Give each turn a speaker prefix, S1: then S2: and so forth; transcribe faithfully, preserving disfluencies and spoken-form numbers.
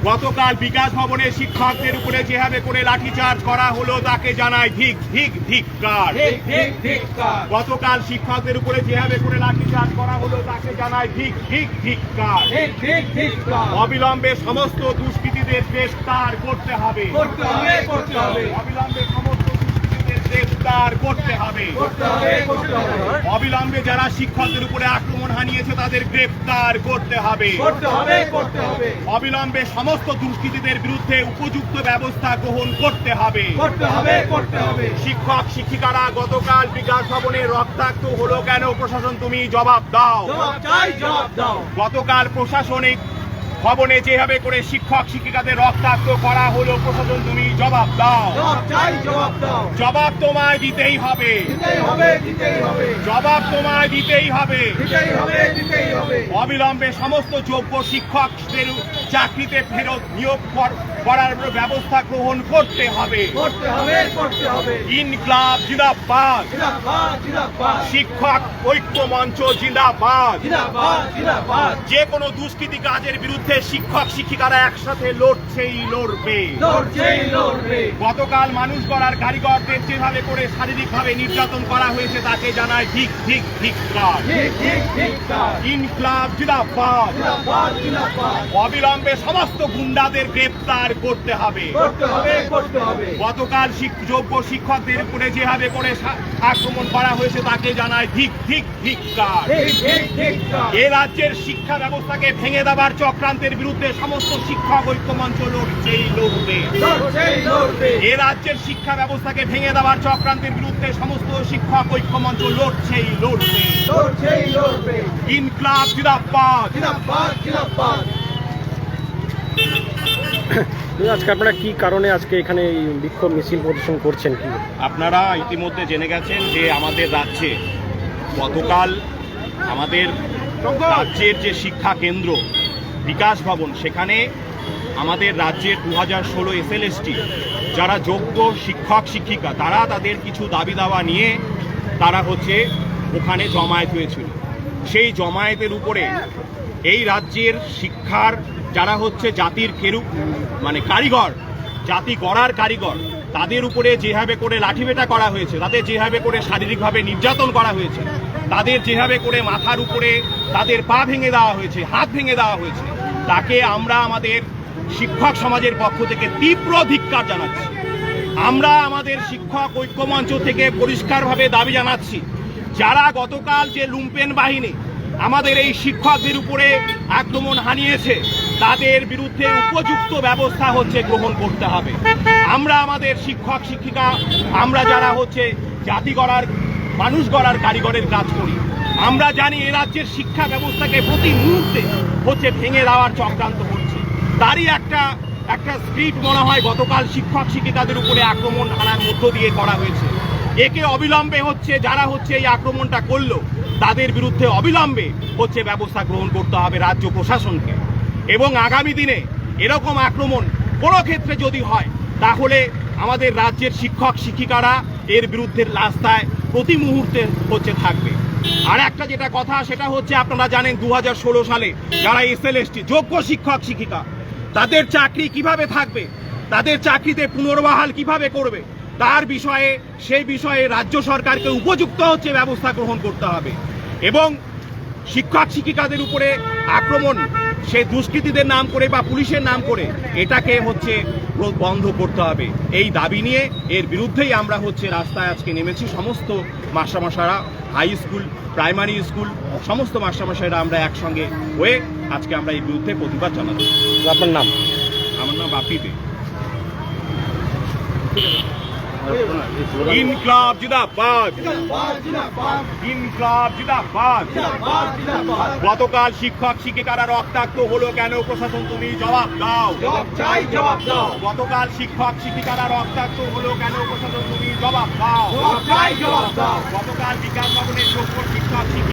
S1: গতকাল বিকাশ ভবনে শিক্ষকদের উপরে যেভাবে করে লাঠিচার্জ করা হলো তাকে জানাই ধিক ধিক ধিক্কার। গতকাল শিক্ষকদের উপরে যেভাবে করে লাঠিচার্জ করা হলো তাকে জানাই ধিক ধিক ধিক্কার। অবিলম্বে সমস্ত দুষ্কৃতীদের গ্রেফতার করতে হবে। অবিলম্বে সমস্ত গ্রেফতার করতে হবে। অবিলম্বে যারা শিক্ষকদের উপরে আক্রমণ হানিয়েছে তাদের গ্রেফতার করতে হবে। অবিলম্বে সমস্ত দুষ্কৃতীদের বিরুদ্ধে উপযুক্ত ব্যবস্থা গ্রহণ করতে হবে। শিক্ষক শিক্ষিকারা গতকাল বিকাশ ভবনে রক্তাক্ত হলো কেন? প্রশাসন তুমি জবাব দাও। গতকাল প্রশাসনিক ভবনে যেভাবে করে শিক্ষক শিক্ষিকাদের রক্তাক্ত করা হলো প্রশাসন তুমি জবাব দাও। জবাব তোমায় দিতেই হবে। জবাব তোমায় দিতেই হবে। অবিলম্বে সমস্ত যোগ্য শিক্ষকদের চাকরিতে ফেরত নিয়োগ করার ব্যবস্থা গ্রহণ করতে হবে। ইনকলাব জিন্দাবাদ। শিক্ষক ঐক্য মঞ্চ জিন্দাবাদ। যে কোনো দুষ্কৃতি কাজের বিরুদ্ধে শিক্ষক শিক্ষিকারা একসাথে লড়ছেই লড়বে। গতকাল মানুষ গড়ার কারিগরদের যেভাবে করে শারীরিকভাবে নির্যাতন করা হয়েছে তাকে জানায় ঠিক ঠিক ধিক্কার। ইনকলাব জিন্দাবাদ। অবিলম্বে সমস্ত গুন্ডাদের গ্রেফতার করতে হবে। গতকাল যোগ্য শিক্ষকদের উপরে যেভাবে করে আক্রমণ করা হয়েছে তাকে জানায় ঠিক ঠিক ধিক্কার। এ রাজ্যের শিক্ষা ব্যবস্থাকে ভেঙে দেওয়ার চক্রান্তের বিরুদ্ধে সমস্ত শিক্ষক ঐক্যমঞ্চ লড়ছেই লড়বে। এ রাজ্যের শিক্ষা ব্যবস্থাকে ভেঙে দেওয়ার চক্রান্তের বিরুদ্ধে সমস্ত শিক্ষক ঐক্যমঞ্চ লড়ছেই লড়বে। ইনকলাব জিন্দাবাদ।
S2: আজকে আপনারা কি কারণে আজকে এখানে বিক্ষোভ মিছিল প্রদর্শন করছেন? কি
S1: আপনারা ইতিমধ্যে জেনে গেছেন যে আমাদের রাজ্যে গতকাল আমাদের রাজ্যের যে শিক্ষা কেন্দ্র বিকাশ ভবন সেখানে আমাদের রাজ্যের দু হাজার ষোলো এস এল এস টি যারা যোগ্য শিক্ষক শিক্ষিকা তারা তাদের কিছু দাবি দাওয়া নিয়ে তারা হচ্ছে ওখানে জমায়েত হয়েছিল। সেই জমায়েতের উপরে এই রাজ্যের শিক্ষার যারা হচ্ছে জাতির কেরু মানে কারিগর, জাতি গড়ার কারিগর, তাদের উপরে যেভাবে করে লাঠিপেটা করা হয়েছে, তাদের যেভাবে করে শারীরিকভাবে নির্যাতন করা হয়েছে, তাদের যেভাবে করে মাথার উপরে তাদের পা ভেঙে দেওয়া হয়েছে, হাত ভেঙে দেওয়া হয়েছে, তাকে আমরা আমাদের শিক্ষক সমাজের পক্ষ থেকে তীব্র ধিক্কার জানাচ্ছি। আমরা আমাদের শিক্ষক ঐক্যমঞ্চ থেকে পরিষ্কারভাবে দাবি জানাচ্ছি, যারা গতকাল যে লুম্পেন বাহিনী আমাদের এই শিক্ষকদের উপরে আক্রমণ হানিয়েছে তাদের বিরুদ্ধে উপযুক্ত ব্যবস্থা হচ্ছে গ্রহণ করতে হবে। আমরা আমাদের শিক্ষক শিক্ষিকা আমরা যারা হচ্ছে জাতি গড়ার মানুষ গড়ার কারিগরের কাজ করি, আমরা জানি এ রাজ্যের শিক্ষা ব্যবস্থাকে প্রতি মুহূর্তে হচ্ছে ভেঙে দেওয়ার চক্রান্ত হচ্ছে। তারই একটা একটা স্ক্রিপ্ট মনে হয় গতকাল শিক্ষক শিক্ষিকাদের উপরে আক্রমণ হানার মধ্য দিয়ে করা হয়েছে। একে অবিলম্বে হচ্ছে যারা হচ্ছে এই আক্রমণটা করলো তাদের বিরুদ্ধে অবিলম্বে হচ্ছে ব্যবস্থা গ্রহণ করতে হবে রাজ্য প্রশাসনকে। এবং আগামী দিনে এরকম আক্রমণ কোনো ক্ষেত্রে যদি হয় তাহলে আমাদের রাজ্যের শিক্ষক শিক্ষিকারা এর বিরুদ্ধে রাস্তায় প্রতি মুহূর্তে হচ্ছে থাকবে। আর একটা যেটা কথা সেটা হচ্ছে আপনারা জানেন দু হাজার ষোলো সালে যারা এস এল এস টি যোগ্য শিক্ষক শিক্ষিকা তাদের চাকরি কিভাবে থাকবে, তাদের চাকরিতে পুনর্বহাল কিভাবে করবে তার বিষয়ে সেই বিষয়ে রাজ্য সরকারকে উপযুক্ত হচ্ছে ব্যবস্থা গ্রহণ করতে হবে। এবং শিক্ষক শিক্ষিকাদের উপরে আক্রমণ সে দুষ্কৃতীদের নাম করে বা পুলিশের নাম করে এটাকে হচ্ছে বন্ধ করতে হবে। এই দাবি নিয়ে এর বিরুদ্ধেই আমরা হচ্ছে রাস্তায় আজকে নেমেছি। সমস্ত মাস্টারমশাইরা, হাই স্কুল, প্রাইমারি স্কুল, সমস্ত মাস্টারমশাইরা আমরা একসঙ্গে হয়ে আজকে আমরা এই বিরুদ্ধে প্রতিবাদ জানাচ্ছি।
S2: আপনার নাম?
S1: আমার নাম বাপি দে। ইনকলাব জিন্দাবাদ। ইনকলাব জিন্দাবাদ। গতকাল শিক্ষক শিক্ষিকারা রক্তাক্ত হলো কেন? প্রশাসন তুমি জবাব দাও। গতকাল শিক্ষক শিক্ষিকারা রক্তাক্ত হলো কেন? প্রশাসন তুমি জবাব দাও। গতকাল বিকাশ ভবনের যোগ্য শিক্ষক